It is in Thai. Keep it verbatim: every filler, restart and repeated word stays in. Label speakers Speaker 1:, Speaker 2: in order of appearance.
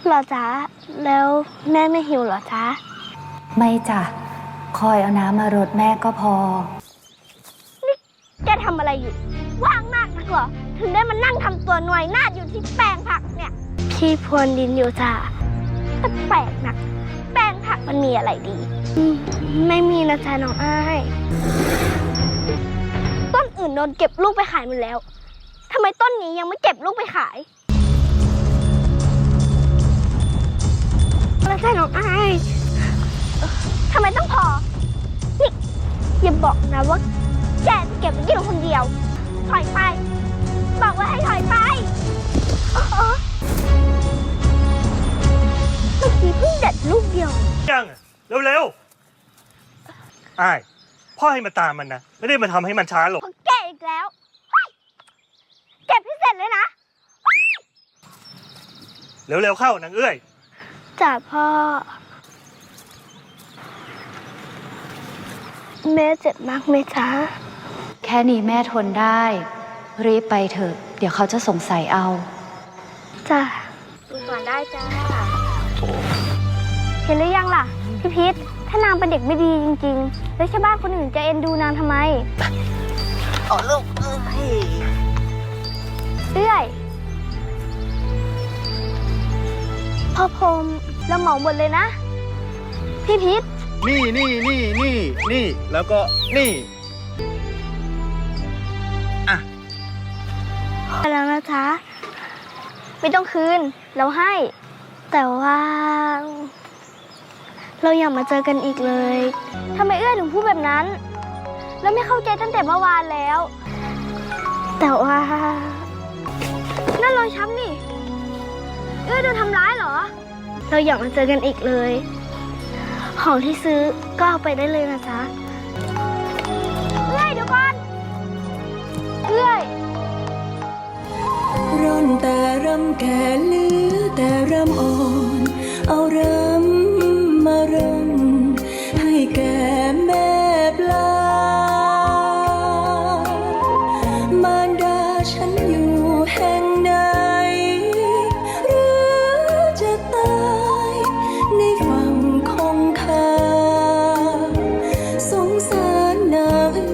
Speaker 1: หรอจ๊ะแล้วแม่ไม่หิวหรอจ๊ะ
Speaker 2: ไม่จ้ะคอยเอาน้ำมารดแม่ก็พอ
Speaker 1: นี่แกทำอะไรอยู่ว่างมากนักเหรอถึงได้มานั่งทำตัวหน่วยนาดอยู่ที่แปลงผักเนี่ยพี่พรวนดินอยู่จ้ะแต่แปลกนักแปลงผักมันมีอะไรดีไม่มีนะจ๊ะน้องอ้ายต้นอื่นโดนเก็บลูกไปขายหมดแล้วทำไมต้นนี้ยังไม่เก็บลูกไปขายแล้วจ๊ะน้องอ้ายทำไมต้องพอนี่อย่าบอกนะว่าแกจะเก็บไว้กินคนเดียวถอยไปบอกว่าให้ถอยไปเมื่อกี้เพิ่งเด็ดลูกเดียว
Speaker 3: ยังเร็วๆอ้ายพ่อให้มาตามมันนะไม่ได้มาทำให้มันช้าหรอก
Speaker 1: แกอีกแล้วเก็บให้เสร็จเลยนะ
Speaker 3: เร็วๆเข้านางเอ้ย
Speaker 1: จ้าพ่อแม่เจ็บมากไหมจ๊ะ
Speaker 2: แค่นี้แม่ทนได้รีบไปเถอะเดี๋ยวเขาจะสงสัยเอา
Speaker 1: จ้าดูก่อนได้จ้าเห็นหรือยังล่ะพี่พิษถ้านางเป็นเด็กไม่ดีจริงๆแล้วชาวบ้านคนอื่นจะเอ็นดูนางทำไมอ๋อลูกเอ้ยเอ้ยพ่อพรมเราเหมาหมดเลยนะพี่พิษ
Speaker 4: นี่นี่นี่นี่นี่แล้วก็นี่อ่ะ
Speaker 1: ไปแล้วนะจ๊ะไม่ต้องคืนเราให้แต่ว่าเราอยากมาเจอกันอีกเลยทำไมเอื้อถึงพูดแบบนั้นแล้วไม่เข้าใจตั้งแต่เมื่อวานแล้วแต่ว่านั่นรอยช้ำนี่เอื้อโดนทำร้ายเหรอเราอยากมาเจอกันอีกเลยของที่ซื้อก็เอาไปได้เลยนะจ๊ะเอื้อยเดี๋ยวก่อนเอื้อย
Speaker 5: ร่อนแต่รำแก่เหลือแต่รำอ่อนเอารำมารำให้แก่แม่ปลามารดาฉันอยู่แห่งใดหรือจะตายในฝั่งคงคาสงสารนาง